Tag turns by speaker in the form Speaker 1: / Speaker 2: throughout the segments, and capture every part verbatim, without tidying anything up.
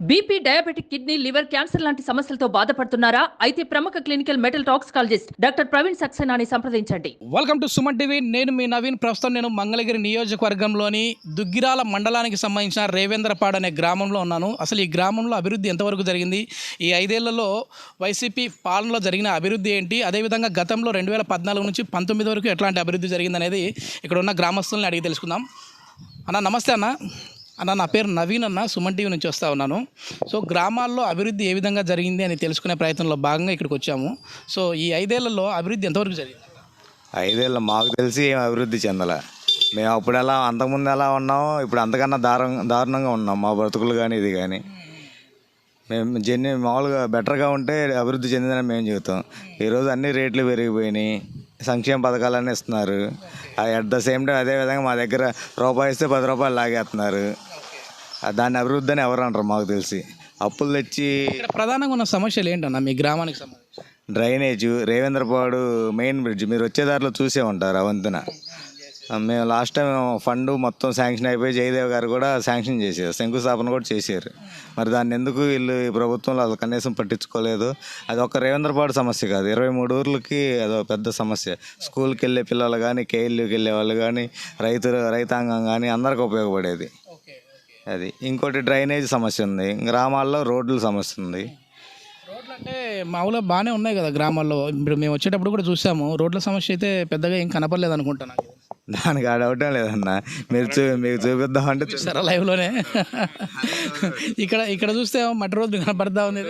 Speaker 1: BP, diabetic, kidney, liver, cancer లాంటి సమస్యలతో బాధపడుతున్నారా? అయితే ప్రముఖ clinical metal toxicologist doctor Praveen సక్సేనాని సంప్రదించండి.
Speaker 2: Welcome to Suman TV. నేను మీ నవీన్. ప్రస్తుతం నేను మంగళగిరి నియోజకవర్గంలోని దుగ్గిరాల మండలానికి సంబంధించిన రేవేంద్రపాడు అనే గ్రామంలో ఉన్నాను. అసలు ఈ గ్రామంలో అభివృద్ధి ఎంతవరకు జరిగింది, ఈ ఐదేళ్లలో వైసీపీ పాలనలో జరిగిన అభివృద్ధి ఏంటి, అదేవిధంగా గతంలో రెండు వేల పద్నాలుగు నుంచి పంతొమ్మిది వరకు ఎట్లాంటి అభివృద్ధి జరిగింది అనేది ఇక్కడ ఉన్న గ్రామస్తుల్ని అడిగి తెలుసుకుందాం. అన్న నమస్తే. అన్న అన్న నా పేరు నవీన్ అన్న, సుమన్ టీవీ నుంచి వస్తూ ఉన్నాను. సో గ్రామాల్లో అభివృద్ధి ఏ విధంగా జరిగింది అని తెలుసుకునే ప్రయత్నంలో భాగంగా ఇక్కడికి వచ్చాము. సో ఈ ఐదేళ్లలో అభివృద్ధి ఎంతవరకు జరిగింది?
Speaker 3: ఐదేళ్ళు మాకు తెలిసి ఏం అభివృద్ధి చెందలే. మేము అప్పుడు ఎలా అంతకుముందు ఎలా ఉన్నామో ఇప్పుడు అంతకన్నా దారుణ దారుణంగా ఉన్నాం. మా బ్రతుకులు కానీ ఇది కానీ మేము జన్ని మామూలుగా బెటర్గా ఉంటే అభివృద్ధి చెందిందని మేము చెబుతాం. ఈరోజు అన్ని రేట్లు పెరిగిపోయినాయి, సంక్షేమ పథకాలన్నీ ఇస్తున్నారు. అట్ ద సేమ్ టైం అదేవిధంగా మా దగ్గర రూపాయి ఇస్తే పది రూపాయలు లాగేస్తున్నారు. దాన్ని అభివృద్ధి అని ఎవరు అంటారు? మాకు తెలిసి అప్పులు తెచ్చి.
Speaker 2: ప్రధానంగా ఉన్న సమస్యలు ఏంటన్నా మీ గ్రామానికి సంబంధించి?
Speaker 3: డ్రైనేజ్, రేవేంద్రపాడు మెయిన్ బ్రిడ్జ్ మీరు వచ్చేదారిలో చూసే ఉంటారు. అవంతున మేము లాస్ట్ టైం ఫండ్ మొత్తం శాంక్షన్ అయిపోయి జయదేవ్ గారు కూడా శాంక్షన్ చేశారు, శంకుస్థాపన కూడా చేశారు. మరి దాన్ని ఎందుకు వీళ్ళు ఈ ప్రభుత్వంలో అది కనీసం పట్టించుకోలేదు? అది ఒక రేవేంద్రపాడు సమస్య కాదు, ఇరవై మూడు ఊర్లకి అదో పెద్ద సమస్య. స్కూల్కి వెళ్ళే పిల్లలు కానీ, కేఎల్యూకి వెళ్ళే వాళ్ళు కానీ, రైతులు రైతాంగం కానీ అందరికి ఉపయోగపడేది అది. ఇంకోటి డ్రైనేజ్ సమస్య ఉంది, గ్రామాల్లో రోడ్ల సమస్య ఉంది.
Speaker 2: రోడ్లు అంటే మామూలుగా బాగానే ఉన్నాయి కదా గ్రామాల్లో. ఇప్పుడు మేము వచ్చేటప్పుడు కూడా చూసాము, రోడ్ల సమస్య అయితే పెద్దగా ఏం కనపడలేదు అనుకుంటాను.
Speaker 3: దానికి ఆ డౌటే లేదన్నా. మీరు చూ మీకు చూపిద్దామంటే
Speaker 2: చూసారా లైవ్లోనే? ఇక్కడ ఇక్కడ చూస్తే మట్టి రోడ్డు కనపడతా ఉంది.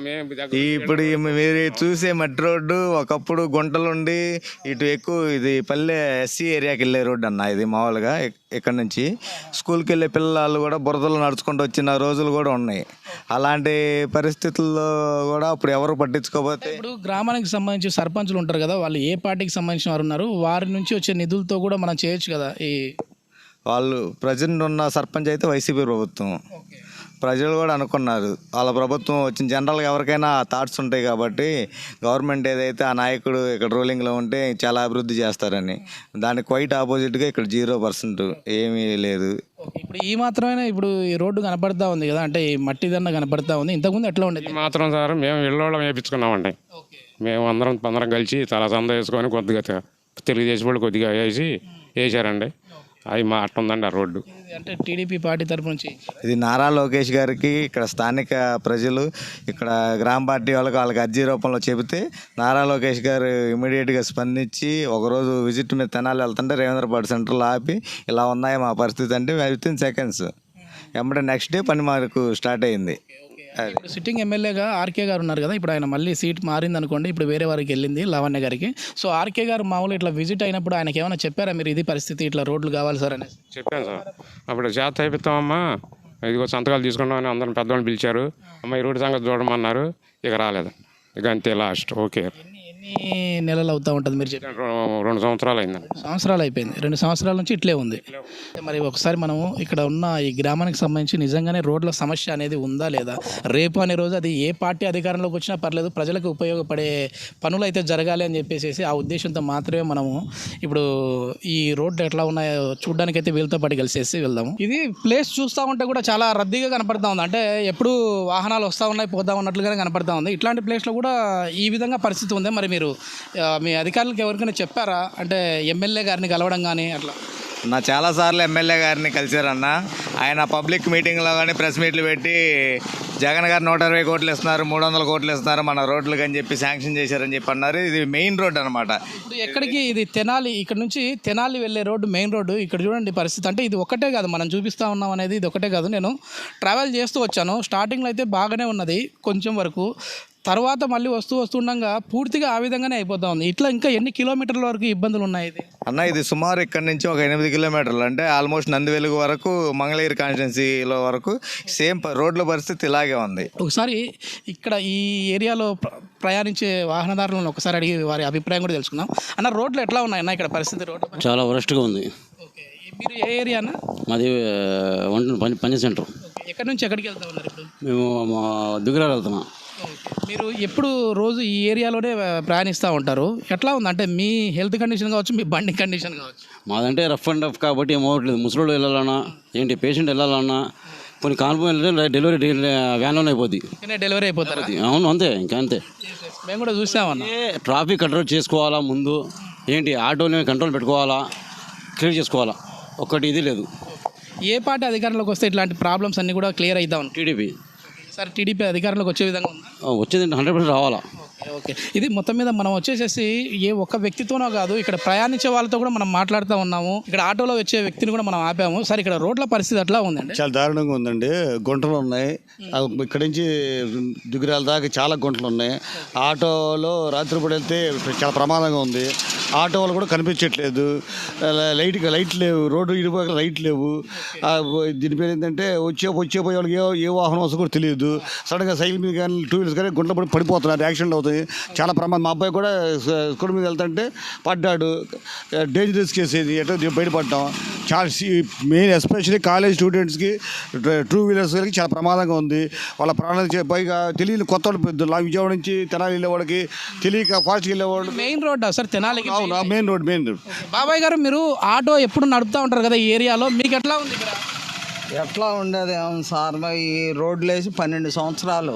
Speaker 3: ఇప్పుడు మీరు చూసే మట్టి రోడ్డు ఒకప్పుడు గుంటలుండి ఇటు ఎక్కువ ఇది పల్లె ఎస్సీ ఏరియాకి వెళ్ళే రోడ్డు అన్న. ఇది మామూలుగా ఇక్కడ నుంచి స్కూల్కి వెళ్ళే పిల్లలు కూడా బురదలు నడుచుకుంటూ వచ్చిన రోజులు కూడా ఉన్నాయి. అలాంటి పరిస్థితుల్లో కూడా అప్పుడు ఎవరు పట్టించుకోకపోతే.
Speaker 2: ఇప్పుడు గ్రామానికి సంబంధించి సర్పంచులు ఉంటారు కదా, వాళ్ళు ఏ పార్టీకి సంబంధించిన వారు ఉన్నారు, వారి నుంచి వచ్చే నిధులతో కూడా మనం చేయొచ్చు కదా. ఈ
Speaker 3: వాళ్ళు ప్రజెంట్ ఉన్న సర్పంచ్ అయితే వైసీపీ ప్రభుత్వం. ప్రజలు కూడా అనుకున్నారు వాళ్ళ ప్రభుత్వం వచ్చిన. జనరల్గా ఎవరికైనా థాట్స్ ఉంటాయి కాబట్టి గవర్నమెంట్ ఏదైతే ఆ నాయకుడు ఇక్కడ రూలింగ్లో ఉంటే చాలా అభివృద్ధి చేస్తారని. దానికి క్వైట్ ఆపోజిట్గా ఇక్కడ జీరో పర్సెంట్ ఏమీ లేదు.
Speaker 2: ఇప్పుడు ఈ మాత్రమే ఇప్పుడు ఈ రోడ్డు కనపడతా ఉంది కదా, అంటే ఈ మట్టి దన్న కనపడతా ఉంది. ఇంతకుముందు ఎట్లా ఉండేది?
Speaker 4: మాత్రం సార్ మేము ఇళ్ళోళ్ళం వేయించుకున్నామండి. మేము అందరం అందరం కలిసి చాలా సంద వేసుకొని కొద్దిగా తెలుగుదేశం వాళ్ళు కొద్దిగా వేసి వేసారండి. అవి మా అట్ట ఉందండి ఆ రోడ్డు.
Speaker 2: అంటే టీడీపీ పార్టీ తరపు నుంచి
Speaker 3: ఇది నారా లోకేష్ గారికి ఇక్కడ స్థానిక ప్రజలు ఇక్కడ గ్రామ పార్టీ వాళ్ళకి వాళ్ళకి అర్జీ రూపంలో చెబితే నారా లోకేష్ గారు ఇమీడియట్గా స్పందించి ఒకరోజు విజిట్ మీద తెనాలి వెళ్తుంటే రేవేంద్రపాడు సెంటర్లో ఆపి ఇలా ఉన్నాయి మా పరిస్థితి అంటే విత్ ఇన్ సెకండ్స్ ఎమ్మటే నెక్స్ట్ డే పని మాకు స్టార్ట్ అయింది.
Speaker 2: ఇప్పుడు సిట్టింగ్ ఎమ్మెల్యేగా ఆర్కే గారు ఉన్నారు కదా, ఇప్పుడు ఆయన మళ్ళీ సీట్ మారింది అనుకోండి, ఇప్పుడు వేరే వారికి వెళ్ళింది లావణ్య గారికి. సో ఆర్కే గారు మామూలు ఇట్లా విజిట్ అయినప్పుడు ఆయనకి ఏమైనా చెప్పారా మీరు ఇది పరిస్థితి ఇట్లా రోడ్లు కావాలి సార్ అని?
Speaker 4: చెప్పాను సార్. అప్పుడు చేత అయిపోతామమ్మా, ఇదిగో సంతకాలు తీసుకున్నామని అందరం పెద్దవాళ్ళు పిలిచారు. అమ్మ ఈ రోడ్డు సంగతి చూడమన్నారు. ఇక రాలేదు. ఇక అంతే లాస్ట్. ఓకే.
Speaker 2: ఎన్ని నెలలు అవుతూ ఉంటుంది మీరు చెప్పి?
Speaker 4: రెండు సంవత్సరాలు అయిందండి.
Speaker 2: సంవత్సరాలు అయిపోయింది. రెండు సంవత్సరాల నుంచి ఇట్లే ఉంది. మరి ఒకసారి మనము ఇక్కడ ఉన్న ఈ గ్రామానికి సంబంధించి నిజంగానే రోడ్ల సమస్య అనేది ఉందా లేదా? రేపు అనే రోజు అది ఏ పార్టీ అధికారంలోకి వచ్చినా పర్లేదు, ప్రజలకు ఉపయోగపడే పనులు అయితే జరగాలి అని చెప్పేసి ఆ ఉద్దేశంతో మాత్రమే మనము ఇప్పుడు ఈ రోడ్లు ఎట్లా ఉన్నాయో చూడడానికి అయితే వీళ్ళతో పాటు కలిసేసి వెళ్దాము. ఇది ప్లేస్ చూస్తూ ఉంటే కూడా చాలా రద్దీగా కనపడతా ఉంది. అంటే ఎప్పుడు వాహనాలు వస్తూ ఉన్నాయి పోతా ఉన్నట్లుగానే కనపడతా ఉంది. ఇట్లాంటి ప్లేస్లో కూడా ఈ విధంగా పరిస్థితి ఉంది. మరి మీరు మీ అధికారులకు ఎవరికైనా చెప్పారా, అంటే ఎమ్మెల్యే గారిని కలవడం కానీ అట్లా?
Speaker 3: నా చాలాసార్లు ఎమ్మెల్యే గారిని కలిశారన్న. ఆయన పబ్లిక్ మీటింగ్లో కానీ ప్రెస్ మీట్లు పెట్టి జగన్ గారు నూట ఇరవై కోట్లు ఇస్తున్నారు, మూడు వందల కోట్లు ఇస్తున్నారు మన రోడ్లకు అని చెప్పి శాంక్షన్ చేశారని చెప్పి అన్నారు. ఇది మెయిన్ రోడ్ అనమాట.
Speaker 2: ఇప్పుడు ఎక్కడికి ఇది తెనాలి, ఇక్కడ నుంచి తెనాలి వెళ్ళే రోడ్డు మెయిన్ రోడ్డు. ఇక్కడ చూడండి పరిస్థితి. అంటే ఇది ఒకటే కాదు మనం చూపిస్తూ ఉన్నాం అనేది, ఇది ఒకటే కాదు. నేను ట్రావెల్ చేస్తూ వచ్చాను. స్టార్టింగ్లో అయితే బాగానే ఉన్నది కొంచెం వరకు, తర్వాత మళ్ళీ వస్తూ వస్తుండగా పూర్తిగా ఆ విధంగానే అయిపోతా ఉంది. ఇట్లా ఇంకా ఎన్ని కిలోమీటర్ల వరకు ఇబ్బందులు ఉన్నాయి ఇది
Speaker 3: అన్న? ఇది సుమారు ఇక్కడ నుంచి ఒక ఎనిమిది కిలోమీటర్లు, అంటే ఆల్మోస్ట్ నందివెలుగు వరకు మంగళగిరి కాన్స్టిట్యున్సీలో వరకు సేమ్ రోడ్ల పరిస్థితి ఇలాగే ఉంది.
Speaker 2: ఒకసారి ఇక్కడ ఈ ఏరియాలో ప్రయాణించే వాహనదారులను ఒకసారి అడిగి వారి అభిప్రాయం కూడా తెలుసుకుందాం. అన్న రోడ్లు ఎట్లా ఉన్నాయి అన్న ఇక్కడ పరిస్థితి? రోడ్లు
Speaker 5: చాలా వరస్ట్గా ఉంది.
Speaker 2: ఓకే, మీరు ఏ ఏరియా అన్న?
Speaker 5: మాది పని పని సెంటర్.
Speaker 2: ఎక్కడి నుంచి ఎక్కడికి వెళ్తా ఉన్నారు ఇప్పుడు?
Speaker 5: మేము మా దుగ్గిరాలు వెళ్తున్నాం.
Speaker 2: మీరు ఎప్పుడు రోజు ఈ ఏరియాలోనే ప్రయాణిస్తూ ఉంటారు. ఎట్లా ఉంది అంటే మీ హెల్త్ కండిషన్ కావచ్చు, మీ బండి కండిషన్ కావచ్చు?
Speaker 5: మాదంటే రఫ్ అండ్ రఫ్ కాబట్టి ఏం అవ్వట్లేదు. ముసలోళ్ళు వెళ్ళాలన్నా ఏంటి, పేషెంట్ వెళ్ళాలన్నా కొన్ని కాన్పోయిన డెలివరీ వ్యాన్లోనే అయిపోద్ది.
Speaker 2: డెలివరీ అయిపోతారు.
Speaker 5: అవును, అంతే, ఇంకా అంతే.
Speaker 2: మేము కూడా చూసామన్న.
Speaker 5: ట్రాఫిక్ కంట్రోల్ చేసుకోవాలా ముందు, ఏంటి ఆటోని కంట్రోల్ పెట్టుకోవాలా, క్లియర్ చేసుకోవాలా, ఒక్కటి ఇది లేదు.
Speaker 2: ఏ పార్టీ అధికారంలోకి వస్తే ఇట్లాంటి ప్రాబ్లమ్స్ అన్నీ కూడా క్లియర్ అవుతాం?
Speaker 5: టీడీపీ.
Speaker 2: సార్ టీడీపీ అధికారంలోకి వచ్చే విధంగా ఉందా?
Speaker 5: వచ్చేది హండ్రెడ్ పర్సెంట్ రావాలా.
Speaker 2: ఓకే, ఇది మొత్తం మీద మనం వచ్చేసేసి ఏ ఒక్క వ్యక్తితోనో కాదు, ఇక్కడ ప్రయాణించే వాళ్ళతో కూడా మనం మాట్లాడుతూ ఉన్నాము. ఇక్కడ ఆటోలో వచ్చే వ్యక్తిని కూడా మనం ఆపాము. సార్ ఇక్కడ రోడ్ల పరిస్థితి ఎట్లా ఉందండి?
Speaker 6: చాలా దారుణంగా ఉందండి. గుంటలు ఉన్నాయి, ఇక్కడి నుంచి దిగురాల దాకా చాలా గుంటలు ఉన్నాయి. ఆటోలో రాత్రిపూట వెళ్తే చాలా ప్రమాదంగా ఉంది. ఆటో వాళ్ళు కూడా కనిపించట్లేదు, లైట్ లైట్ లేవు, రోడ్డు ఇరుపక్కల లైట్ లేవు. దీని పేరు ఏంటంటే వచ్చే వచ్చే పోయే వాళ్ళకి ఏ ఏ వాహనం వస్తుందో కూడా తెలియదు. సడన్గా సైకిల్ మీద కానీ టూ వీలర్స్ కానీ గుంటలు పడి పడిపోతున్నారు, యాక్సిడెంట్ అవుతాయి. చాలా ప్రమాదం. మా అబ్బాయి కూడా స్కూల్ మీద వెళ్తుంటే పడ్డాడు, డేంజరస్ కేసు ఇది, ఎటో బయటపడ్డాం. చాలా మెయిన్ ఎస్పెషల్లీ కాలేజ్ స్టూడెంట్స్కి, టూ వీలర్స్కి చాలా ప్రమాదంగా ఉంది. వాళ్ళ ప్రాణాలు పైగా తెలియని కొత్త వాళ్ళు విజయవాడ నుంచి తెనాలి వెళ్ళేవాడికి తెలియక ఫాస్ట్గా వెళ్ళేవాడు.
Speaker 2: మెయిన్ రోడ్ సార్ తెనాలికి?
Speaker 6: అవును, మెయిన్ రోడ్ మెయిన్ రోడ్.
Speaker 2: బాబాయ్ గారు, మీరు ఆటో ఎప్పుడు నడుపుతూ ఉంటారు కదా ఈ ఏరియాలో, మీకు ఎట్లా ఉంది ఇక్కడ?
Speaker 7: ఎట్లా ఉండేది ఏమో సార్, ఈ రోడ్లు వేసి పన్నెండు సంవత్సరాలు,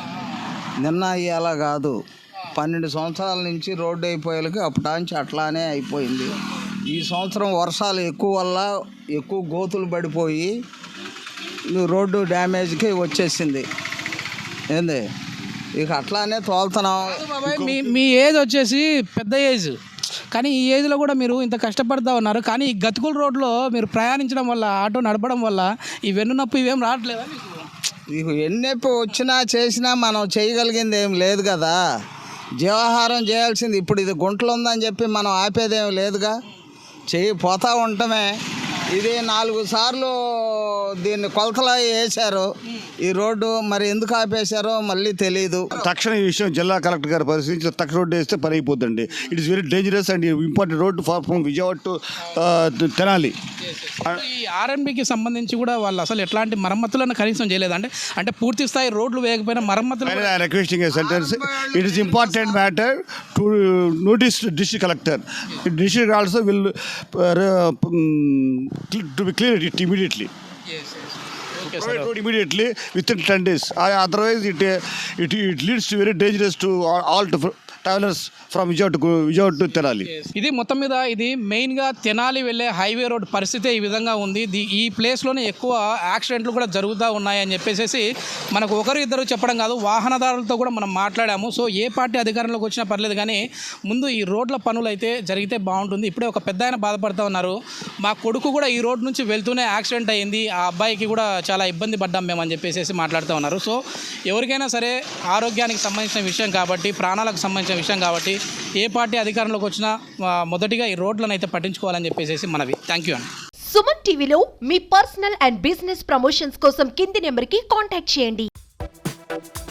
Speaker 7: నిన్న అయ్యేలా కాదు, పన్నెండు సంవత్సరాల నుంచి రోడ్డు అయిపోయేలకి అప్పటాంచి అట్లానే అయిపోయింది. ఈ సంవత్సరం వర్షాలు ఎక్కువ వల్ల ఎక్కువ గోతులు పడిపోయి రోడ్డు డ్యామేజ్కి వచ్చేసింది. ఏంది ఇక అట్లానే తోలుతున్నాం.
Speaker 2: బాబాయ్, మీ మీ ఏజ్ వచ్చేసి పెద్ద ఏజ్, కానీ ఈ ఏజ్లో కూడా మీరు ఇంత కష్టపడతా ఉన్నారు. కానీ ఈ గతుకుల రోడ్లో మీరు ప్రయాణించడం వల్ల, ఆటో నడపడం వల్ల ఈ వెన్ను నొప్పి ఇవేం రావట్లేదా మీకు?
Speaker 7: ఇక ఎన్నెప్పి వచ్చినా చేసినా మనం చేయగలిగింది ఏం లేదు కదా. జీవాహారం చేయాల్సింది. ఇప్పుడు ఇది గుంటలు ఉందని చెప్పి మనం ఆపేదేం లేదుగా, చేయి పోతా ఉండటమే. ఇది నాలుగు సార్లు దీన్ని కొలతలా వేశారు ఈ రోడ్డు, మరి ఎందుకు ఆపేశారో మళ్ళీ తెలియదు.
Speaker 6: తక్షణ ఈ విషయం జిల్లా కలెక్టర్ గారు పరిశీలించి తక్షణ రోడ్డు వేస్తే పని అయిపోద్దండి. It is very dangerous and important road for from Vijayawada to Tenali.
Speaker 2: ఈ ఆర్ఎన్బికి సంబంధించి కూడా వాళ్ళు అసలు ఎట్లాంటి మరమ్మతులను కనీసం చేయలేదు. అంటే అంటే పూర్తి స్థాయి రోడ్లు వేయకపోయినా మరమ్మతులు.
Speaker 6: Requesting a sentence, it is important matter to notice district collector. District also will to be clear it immediately. Provide road immediately within ten days. Otherwise, it it it leads to very dangerous to all to travellers from Vijayawada to Vijayawada to Tenali.
Speaker 2: ఇది మొత్తం మీద ఇది మెయిన్గా తెనాలి వెళ్ళే highway road పరిస్థితి ఈ విధంగా ఉంది. ఈ ప్లేస్లోనే ఎక్కువ యాక్సిడెంట్లు కూడా జరుగుతూ ఉన్నాయని చెప్పేసి మనకు ఒకరు ఇద్దరు చెప్పడం కాదు, వాహనదారులతో కూడా మనం మాట్లాడాము. సో ఏ పార్టీ అధికారంలోకి వచ్చినా పర్లేదు, కానీ ముందు ఈ రోడ్ల పనులు అయితే జరిగితే బాగుంటుంది. ఇప్పుడే ఒక పెద్ద ఆయన బాధపడుతూ ఉన్నారు, మా కొడుకు కూడా ఈ రోడ్ నుంచి వెళ్తూనే యాక్సిడెంట్ అయ్యింది, ఆ అబ్బాయికి కూడా చాలా ఇబ్బంది పడ్డాం మేము అని చెప్పేసి మాట్లాడుతూ ఉన్నారు. సో ఎవరికైనా సరే ఆరోగ్యానికి సంబంధించిన విషయం కాబట్టి, ప్రాణాలకు సంబంధించిన విషయం కాబట్టి ఏ పార్టీ అధికారంలోకి వచ్చినా మొదటిగా ఈ రోడ్లను అయితే పట్టించుకోవాలని చెప్పేసి మనవి. థ్యాంక్ యూ అండి.
Speaker 8: సుమన్ టీవీలో మీ పర్సనల్ అండ్ బిజినెస్ ప్రమోషన్స్ కోసం కింది నెంబర్కి కాంటాక్ట్ చేయండి.